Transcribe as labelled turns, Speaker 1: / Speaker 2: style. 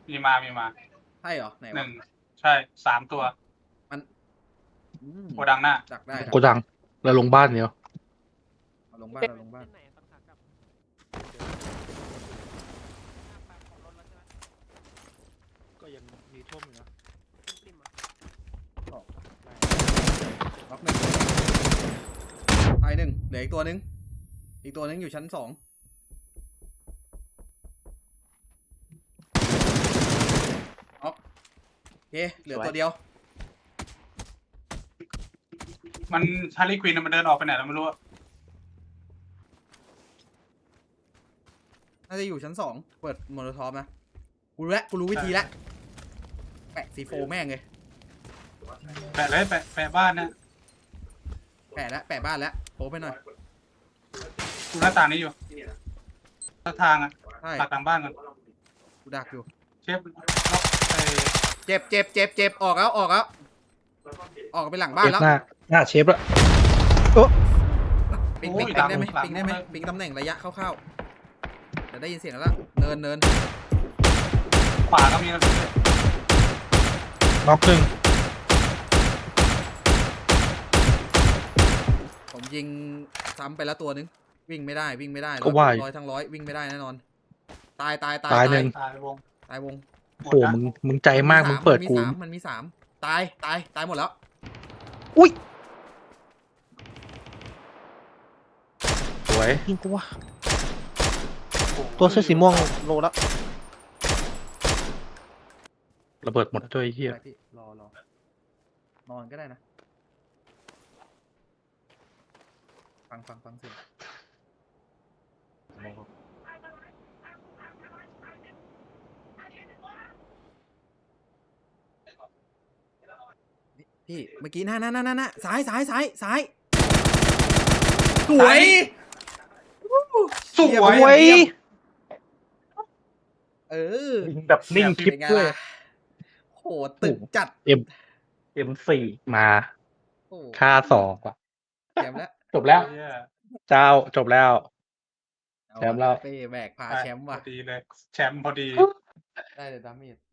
Speaker 1: มีมา
Speaker 2: ใช่เหรอไหน
Speaker 1: ห
Speaker 2: วะ
Speaker 1: นึ่งใช่3 ตัว
Speaker 2: มัน
Speaker 1: โกดังหน้า
Speaker 2: ดักได้
Speaker 3: โกดังแล้วลงบ้านเดียว
Speaker 2: เอาลงบ้านเอาลงบ้าน
Speaker 4: ก็ยังมีท่วมอยู่นะ
Speaker 2: ล็อกหนึ่งตายหนึ่งเหลืออีกตัวหนึงอยู่ชั้น2ล็อกโอเคเหลือตัวเดียว
Speaker 1: มันฮาร์ลีควินมันเดินออกไปไหนแล้วไม่รู้อะ
Speaker 2: น่าจะอยู่ชั้น2เปิดโมโนทอฟนะกูรู้วิธีแล้วแปะซีโฟแม่งเลย
Speaker 1: แปะเลยแปะบ้านเนี่ย
Speaker 2: แปะบ้านแล้วโผล่ไปหน่อย
Speaker 1: ดูหน้าต่างนี้อยู่ทางอะ
Speaker 2: ใช่
Speaker 1: ตักหลังบ้านก่อน
Speaker 2: กูดักอยู่
Speaker 1: เชฟล็อก
Speaker 2: เจ็บออกแล้วออกไปหลังบ้าน
Speaker 3: เชฟ
Speaker 2: แล้ว
Speaker 3: หน้าเชฟละ
Speaker 2: ปิงได้ไหมปิงตำแหน่งระยะคร่าวๆจะได้ยินเสียงแล้วเนิน
Speaker 1: ขวาก็มีนะ
Speaker 3: น็อกหนึ่ง
Speaker 2: ผมยิงซ้ำไปแล้วตัวนึงวิ่งไม่ได้ร้อยทั้งร้อยวิ่งไม่ได้แน่นอนตาย
Speaker 3: ตายหนึ่ง
Speaker 1: ตายวง
Speaker 3: โอ้มึงใจมากมึงเปิดกู
Speaker 2: มันมี3ตายหมดแล้ว
Speaker 3: อุ้ยสวยยิงกูวะตัวเสื้อสีม่วงโลละระเบิดหมดด้วยไอ้เฮีย
Speaker 2: ไปพี่รอนอนก็ได้นะฟังเสียงพี่เมื่อกี้น่ะซ้ายสวย
Speaker 1: สวย
Speaker 3: โอ้ย
Speaker 2: ยิง
Speaker 3: แบบนิ่งคลิป
Speaker 2: เป็นไง
Speaker 3: ด้วย
Speaker 2: ล่ะโหตึกจัด
Speaker 3: M4 มา
Speaker 2: โอ้
Speaker 3: ค่า2ว่ะ
Speaker 2: แชมป์แล้ว
Speaker 3: จบแล้ว
Speaker 1: เหี้ย
Speaker 3: เจ้าจบแล้ว
Speaker 2: เอา
Speaker 3: แชมป์แล้ว
Speaker 2: เป้แบกพาแชมป์ว่ะ
Speaker 1: พอดีเลยแชมป์พอดี
Speaker 2: ได้เลยดาเมจ